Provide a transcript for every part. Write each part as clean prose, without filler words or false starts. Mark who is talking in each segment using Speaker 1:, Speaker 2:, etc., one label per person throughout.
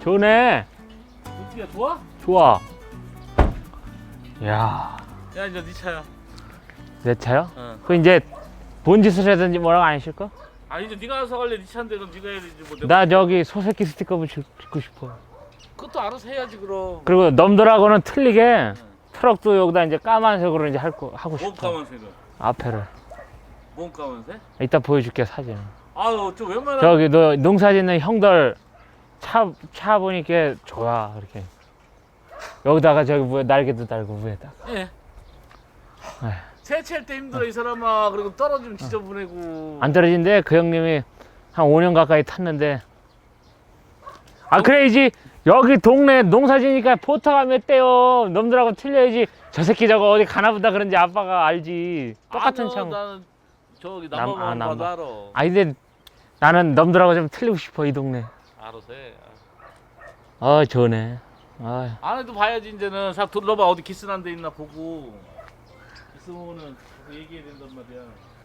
Speaker 1: 좋네.
Speaker 2: 어떻게 좋아?
Speaker 1: 좋아. 야,
Speaker 2: 야 이제 네 차야.
Speaker 1: 내 차요?
Speaker 2: 응.
Speaker 1: 그 이제 뭔 짓을 하든지 뭐라고 안 하실 거?
Speaker 2: 아 이제 네가 알아서 갈래. 네 차인데 그럼 네가 해야지 뭐. 내가
Speaker 1: 나 저기 소새끼 스티커 붙이고 싶어.
Speaker 2: 그것도 알아서 해야지 그럼.
Speaker 1: 그리고 넘들하고는 틀리게
Speaker 2: 응.
Speaker 1: 트럭도 여기다 이제 까만색으로 이제 하고
Speaker 2: 뭔
Speaker 1: 싶어.
Speaker 2: 까만색은?
Speaker 1: 앞에를.
Speaker 2: 뭔 까만색?
Speaker 1: 이따 보여줄게 사진.
Speaker 2: 아유 저 웬만한.
Speaker 1: 저기 너 농사 짓는 형들 차 보니까 좋아 그렇게. 여기다가 저기 위에 날개도 달고 위에다가.
Speaker 2: 예.
Speaker 1: 에휴.
Speaker 2: 세차할 때 힘들어 이 사람아. 그리고 떨어지면 지저분해고.
Speaker 1: 안 떨어진대. 그 형님이 한 5년 가까이 탔는데. 아 그래야지. 여기 동네 농사 지니까 포터가 몇 대요. 놈들하고 틀려야지. 저 새끼 저거 어디 가나보다 그런지 아빠가 알지. 똑같은
Speaker 2: 아니요,
Speaker 1: 차.
Speaker 2: 나는 저기
Speaker 1: 남- 아,
Speaker 2: 남아만 봐도
Speaker 1: 남아.
Speaker 2: 알아.
Speaker 1: 아 근데 나는 놈들하고 좀 틀리고 싶어 이 동네.
Speaker 2: 알아서 해.
Speaker 1: 좋네.
Speaker 2: 안에도 봐야지 이제는. 싹 둘러봐. 어디 기스난 데 있나 보고. 기스면은 얘기해야 된단 말이야.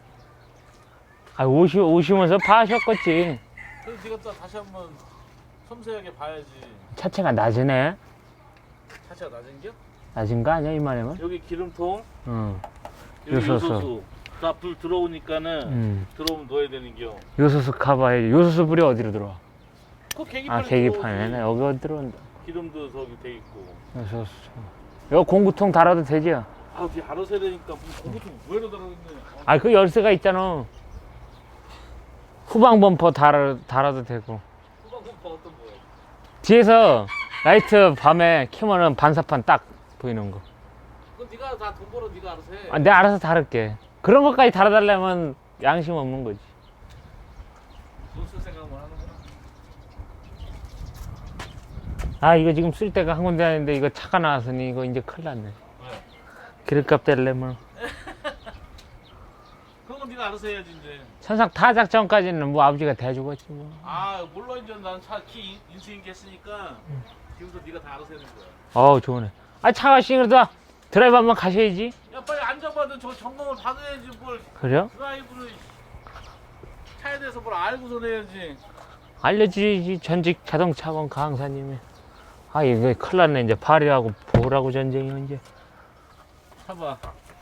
Speaker 1: 오시면서 봐셨겠지.
Speaker 2: 그래서 네가 또 다시 한번 섬세하게 봐야지.
Speaker 1: 차체가 낮으네.
Speaker 2: 차체가 낮은겨?
Speaker 1: 낮은 거 아니야 이만하면?
Speaker 2: 여기 기름통,
Speaker 1: 응.
Speaker 2: 여기
Speaker 1: 요소수.
Speaker 2: 요소수. 다 불 들어오니까는 들어오면 넣어야 되는겨.
Speaker 1: 요소수 가봐야지. 요소수 불이 어디로 들어와?
Speaker 2: 그 계기판에
Speaker 1: 계기판에
Speaker 2: 들어오지.
Speaker 1: 여기 어디 들어온다.
Speaker 2: 기름도 저기 돼 있고.
Speaker 1: 요소수. 이거 공구통 달아도 되지?
Speaker 2: 아, 뒤 알아서 해야 되니까 무슨 공부통 뭐해로 달아있네.
Speaker 1: 그 열쇠가 있잖아. 후방 범퍼 달아도 되고.
Speaker 2: 후방 공파 어떤 거야?
Speaker 1: 뒤에서 라이트 밤에 켜면은 반사판 딱 보이는 거.
Speaker 2: 그건 네가 다 돈 벌어 네가 알아서 해.
Speaker 1: 내가 알아서 다룰게. 그런 것까지 달아달라면 양심 없는 거지.
Speaker 2: 돈 쓸 생각만 하는구나.
Speaker 1: 이거 지금 쓸 데가 한 군데 아닌데 이거 차가 나왔으니 이거 이제 큰일 났네.
Speaker 2: 왜?
Speaker 1: 기름값 떼려면.
Speaker 2: 그런 건 네가 알아서 해야지 이제.
Speaker 1: 천상 타작 전까지는 뭐 아버지가 대주겠지 뭐.
Speaker 2: 아, 물론 이제 나는 차 키 인수인계 했으니까 지금부터 네가 다 알아서 해야 되는 거야.
Speaker 1: 좋네. 차가 싱그러다. 드라이브 한번 가셔야지.
Speaker 2: 야, 빨리 앉아봐도 저 점검을 받아야지 뭘.
Speaker 1: 그래요?
Speaker 2: 드라이브를 차에 대해서 뭘 알고서 내야지.
Speaker 1: 알려주지. 전직 자동차원 강사님이. 이거 큰일 났네. 이제 발이하고 보라고 전쟁이 이제.
Speaker 2: 봐봐.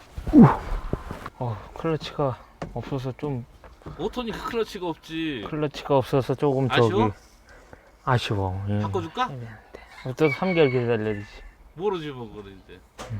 Speaker 1: 클러치가 없어서 좀.
Speaker 2: 오토니까 클러치가 없지.
Speaker 1: 클러치가 없어서 조금
Speaker 2: 아쉬워?
Speaker 1: 아쉬워. 예.
Speaker 2: 바꿔줄까?
Speaker 1: 또 3개월 기다려야지.
Speaker 2: 모르지 뭐 그래 이제.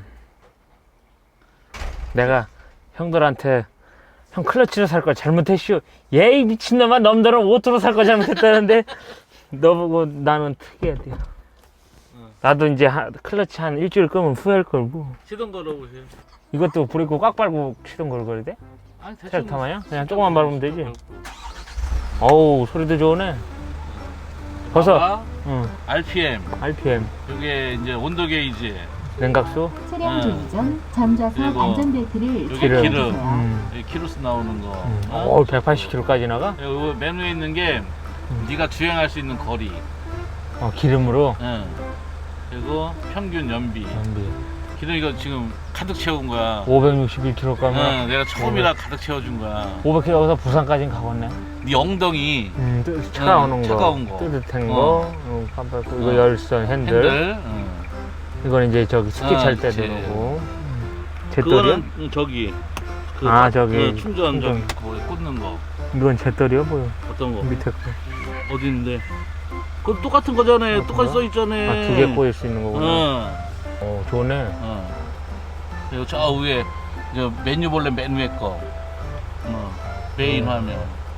Speaker 1: 내가 형들한테 형 클러치로 살 걸 잘못했슈. 예이 미친놈아 놈들은 오토로 살 거 잘못했다는데 너 보고 나는 특이해야 돼. 나도 이제 클러치 한 일주일 끄면 후회할 걸 뭐.
Speaker 2: 시동 걸어보세요.
Speaker 1: 이것도 브레이크 꽉 밟고 시동 걸어야 돼?
Speaker 2: 아니 대충
Speaker 1: 트랙터 마냥? 그냥 조금만 밟으면 되지? 어우 소리도 좋네. 벌써
Speaker 2: 봐봐.
Speaker 1: 응.
Speaker 2: RPM.
Speaker 1: RPM
Speaker 2: 이게 이제 온도 게이지.
Speaker 1: 냉각수
Speaker 3: 차량 조기 전 전자석
Speaker 2: 그리고
Speaker 3: 안전벨트를
Speaker 2: 여기
Speaker 1: 기름.
Speaker 2: 기름. 여기 키로수 나오는 거.
Speaker 1: 180km까지 나가?
Speaker 2: 여기 메뉴에 있는 게 네가 주행할 수 있는 거리.
Speaker 1: 기름으로
Speaker 2: 응. 그리고 평균 연비. 기름 이거 지금 가득 채운 거야.
Speaker 1: 561km 가면
Speaker 2: 응, 내가 처음이라 가득 채워준 거야.
Speaker 1: 500km 여기서 부산까지는 가겠네.
Speaker 2: 네 엉덩이
Speaker 1: 차가운 거,
Speaker 2: 차가운 거.
Speaker 1: 뜨뜻한
Speaker 2: 어.
Speaker 1: 거, 깜빡 이거 열선 핸들.
Speaker 2: 핸들. 응.
Speaker 1: 이건 이제 저기 스키 찰 때
Speaker 2: 그치.
Speaker 1: 들어오고. 제떨이야?
Speaker 2: 그거는 저기.
Speaker 1: 저기
Speaker 2: 충전 저기
Speaker 1: 충전.
Speaker 2: 그거 꽂는 거.
Speaker 1: 이건 제떨이야 뭐야?
Speaker 2: 어떤 거?
Speaker 1: 밑에 거.
Speaker 2: 어디 있는데? 그거 똑같은 거잖아요. 똑같이 써 있잖아.
Speaker 1: 2개 꽂을 수 있는 거구나.
Speaker 2: 응.
Speaker 1: 좋네.
Speaker 2: 그리고 저 위에 저 메뉴 볼래 메뉴에 거. 메인 화면.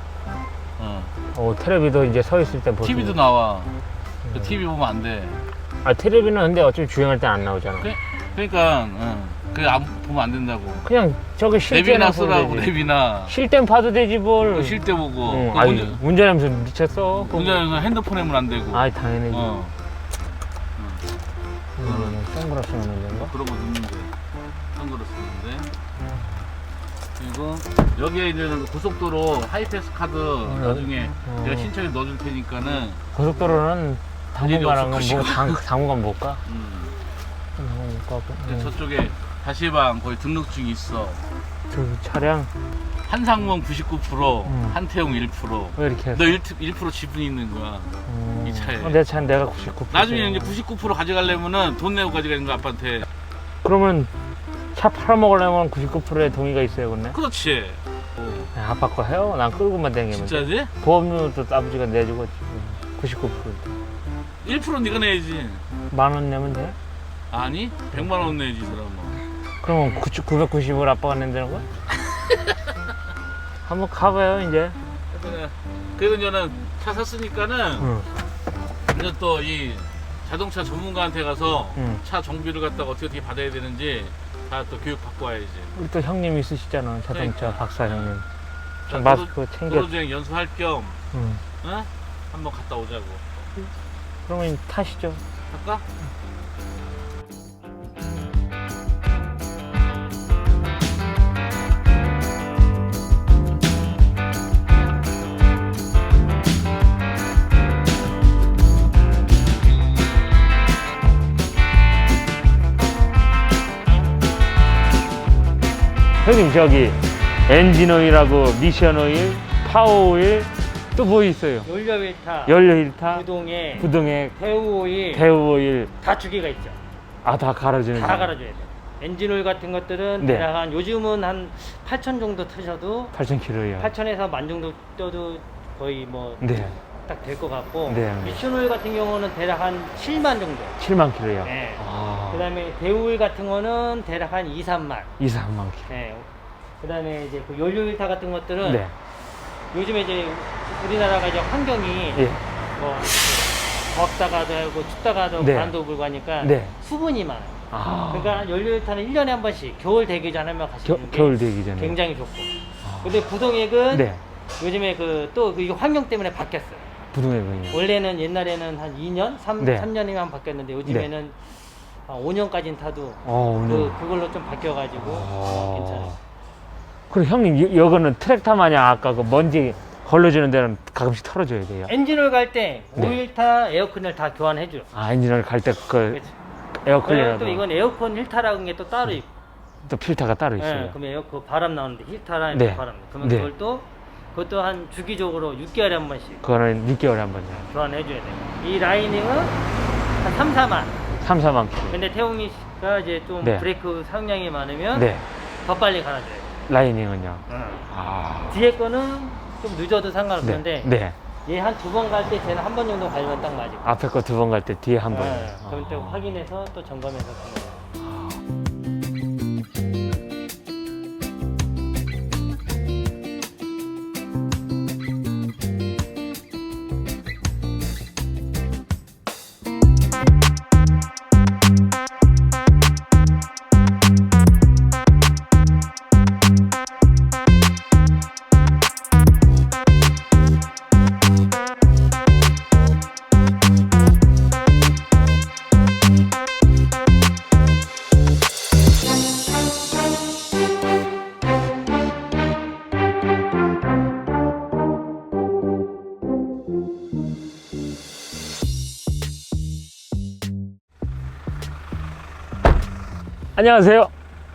Speaker 1: 텔레비도 이제 서 있을 때 보고.
Speaker 2: TV도 나와. 그 TV 보면 안 돼.
Speaker 1: 텔레비는 근데 어차피 주행할 때 안 나오잖아.
Speaker 2: 그러니까 그게 보면 안 된다고.
Speaker 1: 그냥 저기 쉴 때나
Speaker 2: 내비나 쓰라고
Speaker 1: 보면 되지.
Speaker 2: 내비나.
Speaker 1: 쉴 땐 봐도 되지 뭘.
Speaker 2: 쉴 때 보고.
Speaker 1: 운전하면서 미쳤어.
Speaker 2: 운전하면서 핸드폰 하면 안 되고.
Speaker 1: 당연하지. 선글라스 넣는 건가?
Speaker 2: 그런 거 넣는데. 선글라스 넣는데. 그리고 여기에 이제 고속도로 하이패스 카드 나중에 내가 신청해 넣어줄 테니까는.
Speaker 1: 고속도로는 당분간은
Speaker 2: 없을
Speaker 1: 당분간 못 가.
Speaker 2: 저쪽에 다시방 거기 등록증이 있어.
Speaker 1: 저기 차량
Speaker 2: 한상문 99%, 한태용 1%.
Speaker 1: 왜 이렇게
Speaker 2: 너 1% 지분이 있는 거야. 이 차에.
Speaker 1: 내 차는 내가 99%.
Speaker 2: 나중에 이제 99% 가져가려면은 돈 내고 가져가는 거 아빠한테.
Speaker 1: 그러면 차 팔아먹으려면 99%의 동의가 있어야겠네.
Speaker 2: 그렇지.
Speaker 1: 아빠 거 해요? 난 끌고만 다니면 돼.
Speaker 2: 진짜지?
Speaker 1: 보험료도 아버지가 내주고 99%.
Speaker 2: 1% 네가 내야지.
Speaker 1: 10,000원 내면 돼?
Speaker 2: 아니 100만 원 내야지 그러면.
Speaker 1: 그러면 990을 아빠가 낸다는 거야? 한번 가봐요 이제.
Speaker 2: 그래서 저는 차 샀으니까는
Speaker 1: 응.
Speaker 2: 이제 또 이 자동차 전문가한테 가서
Speaker 1: 응.
Speaker 2: 차 정비를 갖다가 어떻게 받아야 되는지 다 또 교육 받고 와야지.
Speaker 1: 우리 또 형님 있으시잖아 자동차
Speaker 2: 그러니까.
Speaker 1: 박사 형님. 좀
Speaker 2: 자,
Speaker 1: 마스크 챙겨.
Speaker 2: 도로주행 연수할 겸
Speaker 1: 응.
Speaker 2: 어? 한번 갔다 오자고.
Speaker 1: 그러면 타시죠.
Speaker 2: 할까?
Speaker 1: 형님 저기 엔진 오일하고 미션 오일, 파워 오일 또 뭐 있어요?
Speaker 4: 연료 일타,
Speaker 1: 연료 힐타,
Speaker 4: 구동에,
Speaker 1: 부동액,
Speaker 4: 배우 오일
Speaker 1: 배우 오일
Speaker 4: 다 주기가 있죠.
Speaker 1: 아 다 갈아주는
Speaker 4: 다
Speaker 1: 거예요?
Speaker 4: 갈아줘야 돼. 엔진 오일 같은 것들은
Speaker 1: 네.
Speaker 4: 대략 한 요즘은 한 8,000 정도 트셔도
Speaker 1: 8,000km요.
Speaker 4: 8,000에서 10,000 정도 떠도 거의 뭐 딱 될
Speaker 1: 네.
Speaker 4: 것 같고
Speaker 1: 네.
Speaker 4: 미션 오일 같은 경우는 대략 한 7만 정도.
Speaker 1: 7만 km요.
Speaker 4: 네.
Speaker 1: 아.
Speaker 4: 그다음에 배우 오일 같은 거는 대략 한 2, 3만.
Speaker 1: 2, 3만 km.
Speaker 4: 네. 그다음에 이제 그 연료 일타 같은 것들은
Speaker 1: 네.
Speaker 4: 요즘에 이제 우리나라가 이제 환경이
Speaker 1: 예.
Speaker 4: 뭐 덥다가도 하고 춥다가도
Speaker 1: 네.
Speaker 4: 바람도 불고 하니까
Speaker 1: 네.
Speaker 4: 수분이 많아요.
Speaker 1: 아.
Speaker 4: 그러니까 연료일타는 1년에 한 번씩 겨울 되기 전에만 가시는 게
Speaker 1: 겨울 되기 전에.
Speaker 4: 굉장히 좋고. 근데 부동액은
Speaker 1: 네.
Speaker 4: 요즘에 또 이게 환경 때문에 바뀌었어요.
Speaker 1: 부동액은요.
Speaker 4: 원래는 옛날에는 한 2년,
Speaker 1: 네.
Speaker 4: 3년이면 바뀌었는데 요즘에는 한 5년까지는 타도
Speaker 1: 오늘.
Speaker 4: 그걸로 좀 바뀌어가지고 괜찮아요.
Speaker 1: 그리고 형님 이거는 트랙터 마냥 아까 그 먼지 걸러주는 데는 가끔씩 털어줘야 돼요.
Speaker 4: 엔진오일 갈 때
Speaker 1: 네.
Speaker 4: 오일타, 에어컨을 다 교환해줘요.
Speaker 1: 아 엔진을 갈 때 그
Speaker 4: 그렇지. 그리고
Speaker 1: 에어클리너도
Speaker 4: 또 이건 에어컨 힐타라는 게 또 따로 있고.
Speaker 1: 또 필터가 따로 있어요.
Speaker 4: 네, 그러면 에어컨 바람 나오는데 힐타라는
Speaker 1: 네.
Speaker 4: 바람. 그러면
Speaker 1: 네.
Speaker 4: 그것도 한 주기적으로 6개월에 한 번씩
Speaker 1: 그거는 6개월에 한 번요.
Speaker 4: 교환해줘야 돼요. 이 라이닝은 한 3, 4만.
Speaker 1: 3, 4만 km.
Speaker 4: 근데 태웅이가 이제 좀
Speaker 1: 네.
Speaker 4: 브레이크 사용량이 많으면
Speaker 1: 네.
Speaker 4: 더 빨리 갈아줘요.
Speaker 1: 라이닝은요.
Speaker 4: 응.
Speaker 1: 아.
Speaker 4: 뒤에 거는 좀 늦어도 상관없는데
Speaker 1: 네.
Speaker 4: 얘 한 2번 갈 때 쟤는 한 번 정도 갈면 딱 맞을 거예요.
Speaker 1: 앞에 거 2번 갈 때 뒤에 한 번.
Speaker 4: 네, 그럼 또 확인해서 또 점검해서 가는 거예요.
Speaker 1: 안녕하세요.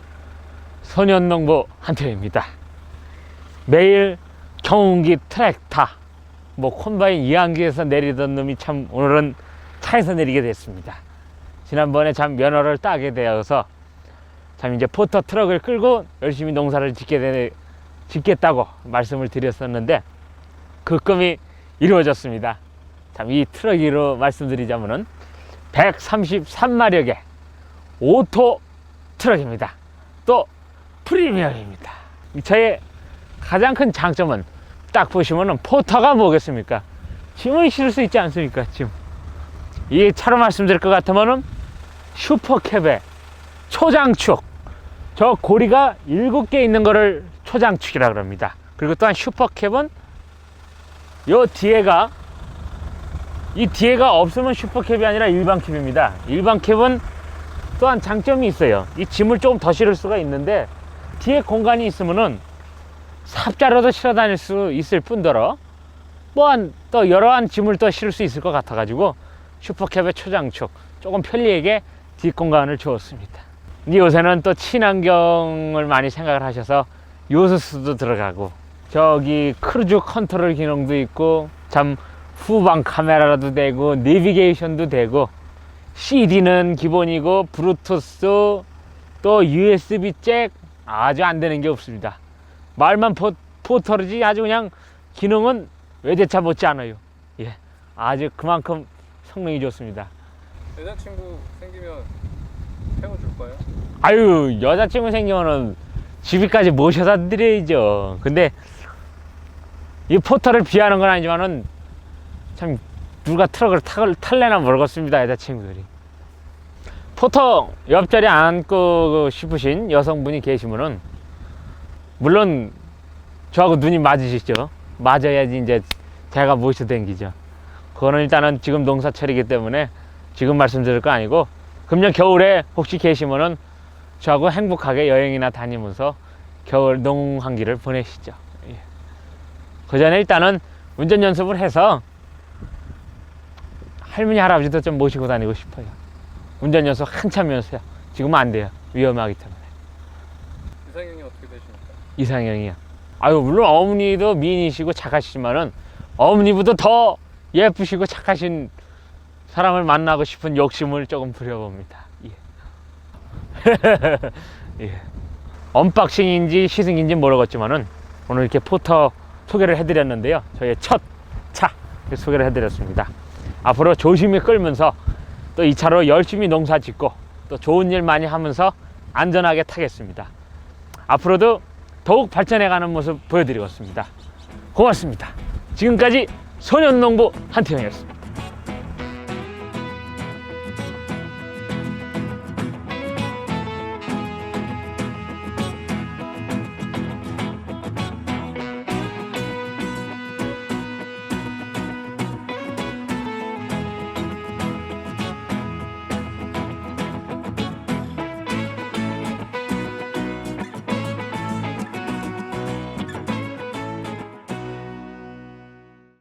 Speaker 1: 소년농부 한태호입니다. 매일 경운기 트랙터, 콤바인 이항기에서 내리던 놈이 참 오늘은 차에서 내리게 됐습니다. 지난번에 참 면허를 따게 되어서 참 이제 포터 트럭을 끌고 열심히 농사를 짓겠다고 말씀을 드렸었는데 그 꿈이 이루어졌습니다. 참 이 트럭으로 말씀드리자면은 133마력의 오토 트럭입니다. 또 프리미엄입니다. 이 차의 가장 큰 장점은 딱 보시면은 포터가 뭐겠습니까? 짐을 실을 수 있지 않습니까? 짐. 이 차로 말씀드릴 것 같으면은 슈퍼캡의 초장축. 저 고리가 7개 있는 거를 초장축이라고 합니다. 그리고 또한 슈퍼캡은 이 뒤에가 없으면 슈퍼캡이 아니라 일반 캡입니다. 일반 캡은 또한 장점이 있어요. 이 짐을 조금 더 실을 수가 있는데 뒤에 공간이 있으면은 삽자로도 실어 다닐 수 있을 뿐더러 또한 또 여러한 짐을 또 실을 수 있을 것 같아 가지고 슈퍼캡의 초장축 조금 편리하게 뒷공간을 주었습니다. 근데 요새는 또 친환경을 많이 생각을 하셔서 요소수도 들어가고 저기 크루즈 컨트롤 기능도 있고 참 후방 카메라도 되고 내비게이션도 되고 CD는 기본이고 블루투스 또 USB 잭 아주 안 되는 게 없습니다. 말만 포털이지 아주 그냥 기능은 외제차 못지 않아요. 예, 아주 그만큼 성능이 좋습니다.
Speaker 5: 여자친구 생기면 태워줄까요?
Speaker 1: 아유, 여자친구 생기면은 집에까지 모셔다 드려야죠. 근데 이 포털을 비하는 건 아니지만은 참 누가 트럭을 탈래나 모르겠습니다. 여자친구들이 포터 옆자리에 앉고 싶으신 여성분이 계시면은 물론 저하고 눈이 맞으시죠. 맞아야지 이제 제가 모셔 댕기죠. 그거는 일단은 지금 농사철이기 때문에 지금 말씀드릴 거 아니고 금년 겨울에 혹시 계시면은 저하고 행복하게 여행이나 다니면서 겨울 농한기를 보내시죠. 예. 그 전에 일단은 운전 연습을 해서 할머니 할아버지도 좀 모시고 다니고 싶어요. 운전 연습 한참 연습해요. 지금은 안 돼요. 위험하기 때문에.
Speaker 5: 이상형이 어떻게 되십니까?
Speaker 1: 이상형이요. 아유, 물론 어머니도 미인이시고 착하시지만은 어머니보다 더 예쁘시고 착하신 사람을 만나고 싶은 욕심을 조금 부려봅니다. 예. 예. 언박싱인지 시승인지 모르겠지만은 오늘 이렇게 포터 소개를 해드렸는데요. 저의 첫 차 소개를 해드렸습니다. 앞으로 조심히 끌면서 또 이 차로 열심히 농사 짓고 또 좋은 일 많이 하면서 안전하게 타겠습니다. 앞으로도 더욱 발전해가는 모습 보여드리겠습니다. 고맙습니다. 지금까지 소년농부 한태형이었습니다.